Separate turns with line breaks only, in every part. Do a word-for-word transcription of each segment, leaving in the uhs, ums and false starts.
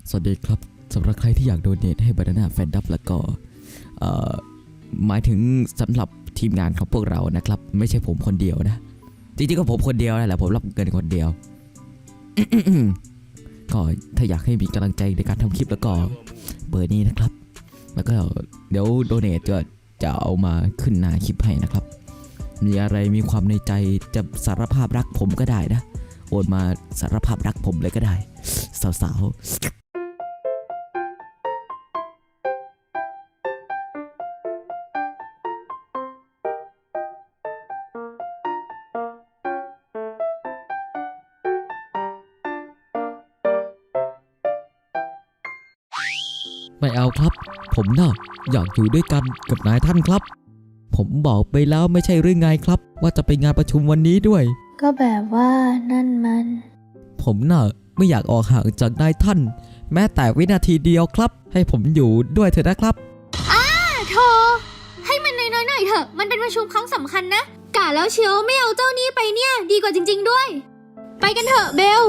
สวัสดีครับสำหรับใครที่อยากโดเนทให้ Banana Fan Dub แล้วก็หมายถึงสำหรับทีมงานของพวกเรานะครับไม่ใช่ผมคนเดียวนะจริงๆก็ผมคนเดียวนั่นแหละผมรับเงินคนเดียว ก็ถ้าอยากให้มีกำลังใจในการทำคลิปแล้วก็เบอร์นี้นะครับแล้วก็เดี๋ยวโดเนทจะจะเอามาขึ้นหน้าคลิปให้นะครับมีอะไรมีความในใจจะสารภาพรักผมก็ได้นะโอนมาสารภาพรักผมเลยก็ได้สาวๆไม่เอาครับผมน่ะอยากอยู่ด้วยกันกับนายท่านครับผมบอกไปแล้วไม่ใช่หรือไงครับว่าจะไปงานประชุมวันนี้ด้วย
ก็แบบว่านั่นมัน
ผมน่ะไม่อยากออกห่างจากนายท่านแม้แต่วินาทีเดียวครับให้ผมอยู่ด้วยเถอะนะครับ
อ้าโธ่ให้มันน้อยๆหน่อยเถอะมันเป็นประชุมครั้งสำคัญนะกะแล้วเชียวไม่เอาเจ้านี่ไปเนี่ยดีกว่าจริงๆด้วยไปกันเถอะเบล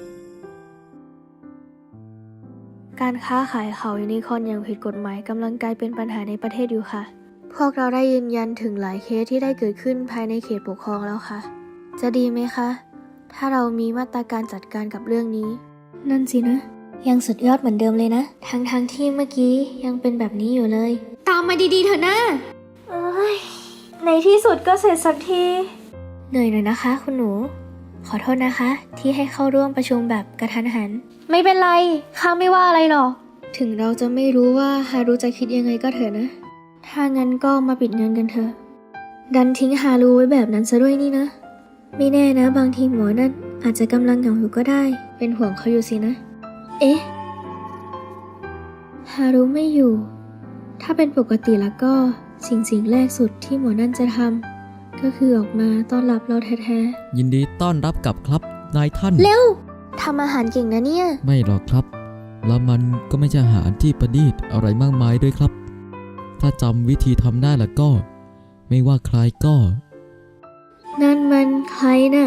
การค้าขายเขายูนิคอร์นอย่างผิดกฎหมายกำลังกลายเป็นปัญหาในประเทศอยู่ค่ะพวกเราได้ยืนยันถึงหลายเคสที่ได้เกิดขึ้นภายในเขตปกครองแล้วค่ะจะดีไหมคะถ้าเรามีมาตรการจัดการกับเรื่องนี้นั่นสินะยังสุดยอดเหมือนเดิมเลยนะทั้งๆ ท, ที่เมื่อกี้ยังเป็นแบบนี้อยู่เลยตามมาดีๆเถอะนะเอ้ยในที่สุดก็เสร็จสักทีเหนื่อยหน่อยนะคะคุณหนูขอโทษนะคะที่ให้เข้าร่วมประชุมแบบกระทันหันไม่เป็นไรข้าไม่ว่าอะไรหรอกถึงเราจะไม่รู้ว่าฮารุจะคิดยังไงก็เถอะนะถ้างั้นก็มาปิดเงินกันเถอะดันทิ้งฮารุไว้แบบนั้นซะด้วยนี่นะไม่แน่นะบางทีหมอนั่นอาจจะกำลังเหงาอยู่ก็ได้เป็นห่วงเขาอยู่สินะเอ๊ะฮารุไม่อยู่ถ้าเป็นปกติแล้วก็สิ่งสิ่งแรกสุดที่หมอนั่นจะทำก็คือออกมาต้อนรับเราแท้
ๆยินดีต้อนรับกลับครับนายท่าน
เร็วทำอาหารเก่งนะเนี่ย
ไม่หรอกครับแล้วมันก็ไม่ใช่อาหารที่ประณีตอะไรมากมายด้วยครับถ้าจำวิธีทำได้แล้วก็ไม่ว่าใครก็
นั่นมันใครน่ะ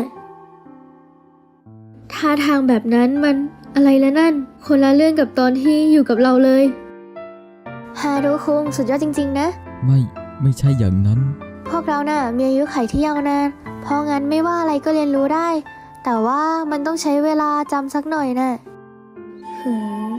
ท่าทางแบบนั้นมันอะไรละนั่นคนละเรื่องกับตอนที่อยู่กับเราเลยฮารุคุงสุดยอดจริงๆนะ
ไม่ไม่ใช่อย่างนั้น
พวกเราน่ะมีอายุขัยที่ยาวนานเพราะงั้นไม่ว่าอะไรก็เรียนรู้ได้แต่ว่ามันต้องใช้เวลาจำสักหน่อยน่ะหืม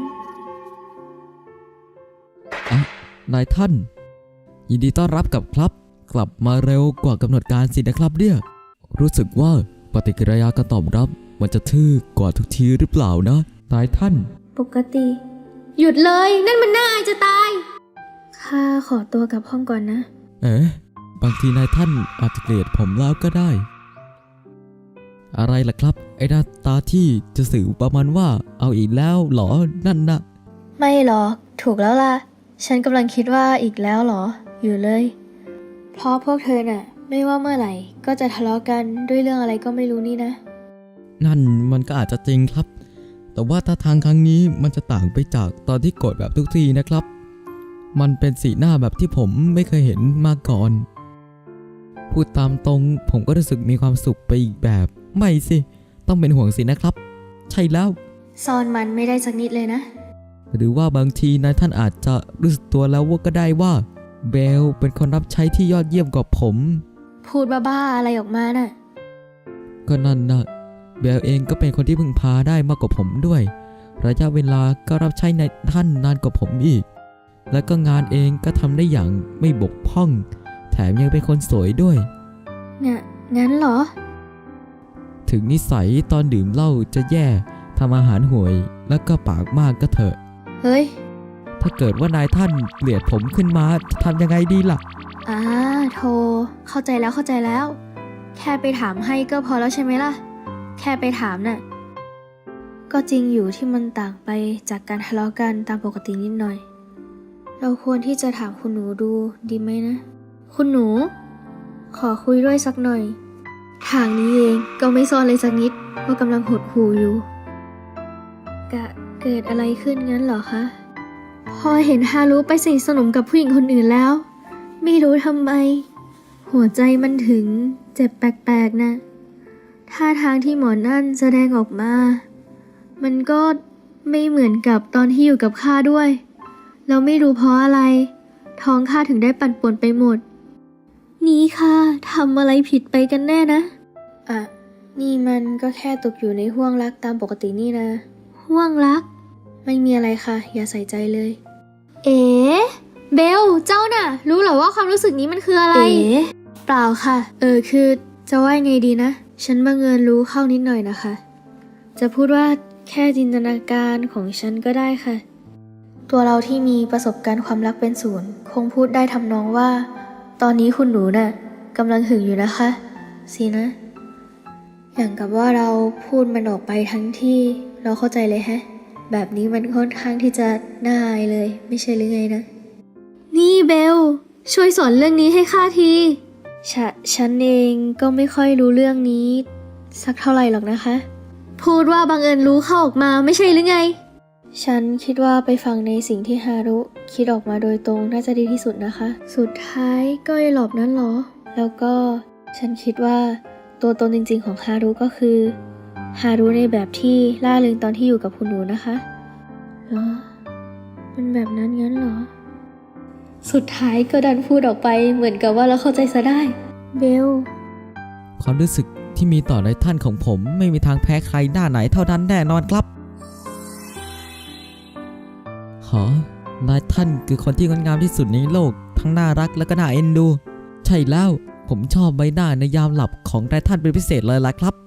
อ่ะนายท่านยินดีต้อนรับกลับครับกลับมาเร็วกว่ากำหนดการสินะครับเนี่ยรู้สึกว่าปฏิกิริยาการตอบรับมันจะทื่อกว่าทุกทีหรือเปล่านะนายท่าน
ปกติหยุดเลยนั่นมันน่าอายจะตายข้าขอตัวกลับห้องก่อนนะ
เอ๊ะบางทีนายท่านอาจจะเกลียดผมแล้วก็ได้อะไรล่ะครับไอ้หน้าตาที่จะสื่อประมาณว่าเอาอีกแล้วหรอนั่นนะ
ไม่หรอกถูกแล้วล่ะฉันกำลังคิดว่าอีกแล้วหรออยู่เลยเพราะพวกเธอน่ะไม่ว่าเมื่อไหร่ก็จะทะเลาะกันด้วยเรื่องอะไรก็ไม่รู้นี่นะ
นั่นมันก็อาจจะจริงครับแต่ว่าถ้าทางครั้งนี้มันจะต่างไปจากตอนที่โกรธแบบทุกทีนะครับมันเป็นสีหน้าแบบที่ผมไม่เคยเห็นมาก่อนพูดตามตรงผมก็รู้สึกมีความสุขไปอีกแบบไม่สิต้องเป็นห่วงสินะครับใช่แล้ว
ซ่อนมันไม่ได้สักนิดเลยนะ
หรือว่าบางทีนายท่านอาจจะรู้สึกตัวแล้วว่าก็ได้ว่าเบลเป็นคนรับใช้ที่ยอดเยี่ยมกว่าผม
พูดบ้าๆอะไรออกมาน่ะ
ก็นั่นนะเบลเองก็เป็นคนที่พึ่งพาได้มากกว่าผมด้วยระยะเวลาก็รับใช้นายท่านนานกว่าผมอีกและก็งานเองก็ทำได้อย่างไม่บกพร่องแถมยังเป็นคนสวยด้วย
เนี่ยงั้นเหรอ
ถึงนิสัยตอนดื่มเหล้าจะแย่ทำอาหารห่วยแล้วก็ปากมากก็เถอะ
เฮ้ย
ถ้าเกิดว่านายท่านเกลียดผมขึ้นมาจะทำยังไงดีล่ะ
อ่าโธ่เข้าใจแล้วเข้าใจแล้วแค่ไปถามให้ก็พอแล้วใช่ไหมล่ะแค่ไปถามน่ะก็จริงอยู่ที่มันต่างไปจากการทะเลาะกันตามปกตินิดหน่อยเราควรที่จะถามคุณหนูดูดีไหมนะคุณหนูขอคุยด้วยสักหน่อยทางนี้เองก็ไม่ซ่อนเลยสักนิดว่ากำลังหดหู่อยู่กะเกิดอะไรขึ้นงั้นเหรอคะพอเห็นฮารุไปสนิทสนมกับผู้หญิงคนอื่นแล้วไม่รู้ทำไมหัวใจมันถึงเจ็บแปลกๆนะท่าทางที่หมอนั่นแสดงออกมามันก็ไม่เหมือนกับตอนที่อยู่กับข้าด้วยเราไม่รู้เพราะอะไร ท้องข้าถึงได้ปั่นป่วนไปหมด นี่ข้าทำอะไรผิดไปกันแน่นะอ่ะนี่มันก็แค่ตกอยู่ในห้วงรักตามปกตินี่นะห้วงรักไม่มีอะไรค่ะอย่าใส่ใจเลยเอ๋เบลเจ้าน่ะรู้เหรอว่าความรู้สึกนี้มันคืออะไรเอ๋เปล่าค่ะเออคือจะว่าไงดีนะฉันบังเอิญรู้เข้านิดหน่อยนะคะจะพูดว่าแค่จินตนาการของฉันก็ได้ค่ะตัวเราที่มีประสบการณ์ความรักเป็นศูนย์คงพูดได้ทำนองว่าตอนนี้คุณหนูน่ะกำลังหึงอยู่นะคะสินะอย่างกับว่าเราพูดมันออกไปทั้งที่เราเข้าใจเลยแฮะแบบนี้มันค่อนข้างที่จะน่าอายเลยไม่ใช่หรือไงนะนี่เบลช่วยสอนเรื่องนี้ให้ข้าทีฉะฉันเองก็ไม่ค่อยรู้เรื่องนี้สักเท่าไหร่หรอกนะคะพูดว่าบังเอิญรู้เข้าออกมาไม่ใช่หรือไงฉันคิดว่าไปฟังในสิ่งที่ฮารุคิดออกมาโดยตรงน่าจะดีที่สุดนะคะสุดท้ายก็ไอ้หลอบนั้นเหรอแล้วก็ฉันคิดว่าตัวตนจริงๆของฮารุก็คือฮารุในแบบที่ล่าเริงตอนที่อยู่กับคุณหนูนะคะเหรอมันแบบนั้นงั้นเหรอสุดท้ายก็ดันพูดออกไปเหมือนกับว่าเราเข้าใจซะได้เบล
ความรู้สึกที่มีต่อในท่านของผมไม่มีทางแพ้ใครหน้าไหนเท่านั้นแน่นอนครับหอนายท่านคือคนที่งดงามที่สุดในโลกทั้งน่ารักและก็น่าเอ็นดูใช่แล้วผมชอบใบหน้าในยามหลับของนายท่านเป็นพิเศษเลยล่ะครับ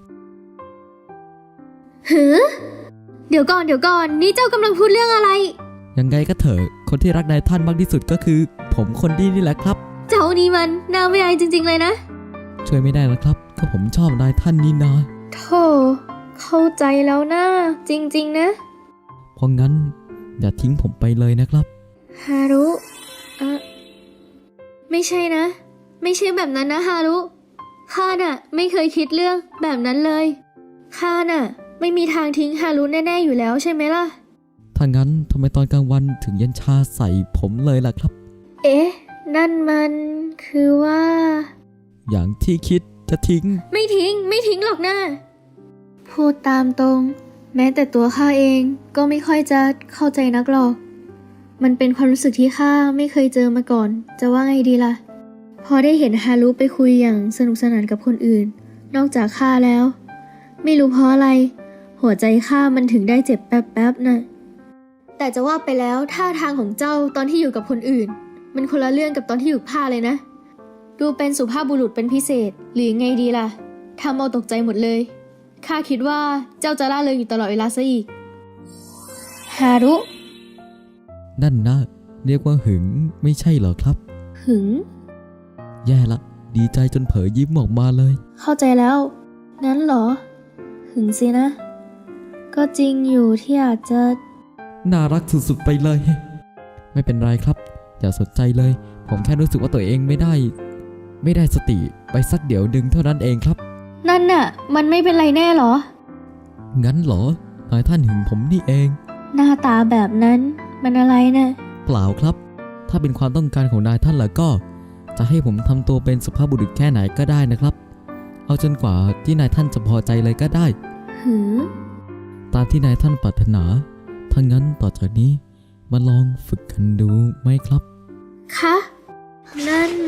หือเดี๋ยวก่อนเดี๋ยวก่อนนี่เจ้ากำลังพูดเรื่องอะไร
ยังไงก็เถอะคนที่รักนายท่านมากที่สุดก็คือผมคนดีนี่แหละครับ
เจ้านี่มันน่าไม่อายจริงๆเลยนะ
ช่วยไม่ได้นะครับก็ผมชอบนายท่านนี่นา
โธ่เข้าใจแล้วนะจริงๆนะ
เพราะงั้นอย่าทิ้งผมไปเลยนะครับ
ฮารุอะไม่ใช่นะไม่ใช่แบบนั้นนะฮารุข้าน่ะไม่เคยคิดเรื่องแบบนั้นเลยข้าน่ะไม่มีทางทิ้งฮารุแน่ๆอยู่แล้วใช่ไหมล่ะ
ถ้างั้นทำไมตอนกลางวันถึงเย็นชาใส่ผมเลยล่ะครับ
เอ๊ะนั่นมันคือว่า
อย่างที่คิดจะทิ้ง
ไม่ทิ้งไม่ทิ้งหรอกนะพูดตามตรงแม้แต่ตัวข้าเองก็ไม่ค่อยจะเข้าใจนักหรอกมันเป็นความรู้สึกที่ข้าไม่เคยเจอมาก่อนจะว่าไงดีล่ะพอได้เห็นฮารุไปคุยอย่างสนุกสนานกับคนอื่นนอกจากข้าแล้วไม่รู้เพราะอะไรหัวใจข้ามันถึงได้เจ็บแป๊บๆน่ะแต่จะว่าไปแล้วท่าทางของเจ้าตอนที่อยู่กับคนอื่นมันคนละเรื่องกับตอนที่อยู่ข้าเลยนะดูเป็นสุภาพบุรุษเป็นพิเศษหรือไงดีล่ะทำเอาตกใจหมดเลยข้าคิดว่าเจ้าจะล่าเริงอยู่ตลอดเวลาซะอีกฮารุ
นั่นนะเรียกว่าหึงไม่ใช่เหรอครับ
หึง
แย่ละดีใจจนเผลอยิ้มออกมาเลย
เข้าใจแล้วงั้นเหรอหึงสินะก็จริงอยู่ที่อาจจะ
น่ารักสุดๆไปเลยไม่เป็นไรครับอย่าสนใจเลยผมแค่รู้สึกว่าตัวเองไม่ได้ไม่ได้สติไปสักเดี๋ยวดึงเท่านั้นเองครับ
นั่นน่ะมันไม่เป็นไรแน่หรอ
งั้นเหรอนายท่านหึงผมนี่เอง
หน้าตาแบบนั้นมันอะไรนะ
เปล่าครับถ้าเป็นความต้องการของนายท่านแล้วก็จะให้ผมทำตัวเป็นสุภาพบุรุษแค่ไหนก็ได้นะครับเอาจนกว่าที่นายท่านจะพอใจเลยก็ได้
หือ
ตามที่นายท่านปรารถนาถ้างั้นต่อจากนี้มาลองฝึกกันดูไหมครับ
คะนั่น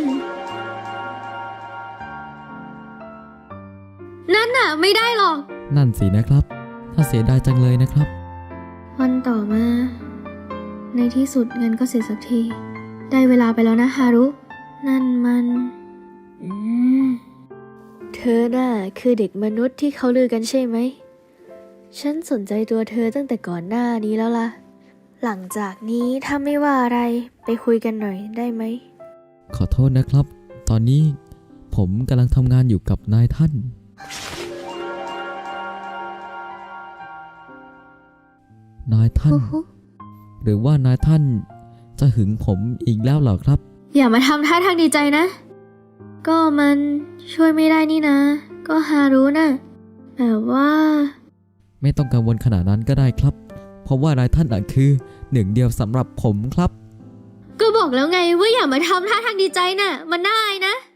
นั่นน่ะไม่ได้หรอก
นั่นสินะครับถ้าเสียดายจังเลยนะครับ
วันต่อมาในที่สุดเงินก็เสร็จสักทีได้เวลาไปแล้วนะฮารุนั่นมันอืมเธอน่ะคือเด็กมนุษย์ที่เขาลือกันใช่ไหมฉันสนใจตัวเธอตั้งแต่ก่อนหน้านี้แล้วล่ะหลังจากนี้ถ้าไม่ว่าอะไรไปคุยกันหน่อยได้ไหม
ขอโทษนะครับตอนนี้ผมกำลังทำงานอยู่กับนายท่านนายท่านหรือว่านายท่านจะหึงผมอีกแล้วเหรอครับ
อย่ามาทำท่าทางดีใจนะก็มันช่วยไม่ได้นี่นะก็ฮารุน่ะแต่ว่า
ไม่ต้องกังวลขนาดนั้นก็ได้ครับเพราะว่านายท่านอ่ะคือหนึ่งเดียวสำหรับผมครับ
ก็บอกแล้วไงว่าอย่ามาทำท่าทางดีใจน่ะมันน่าอายนะ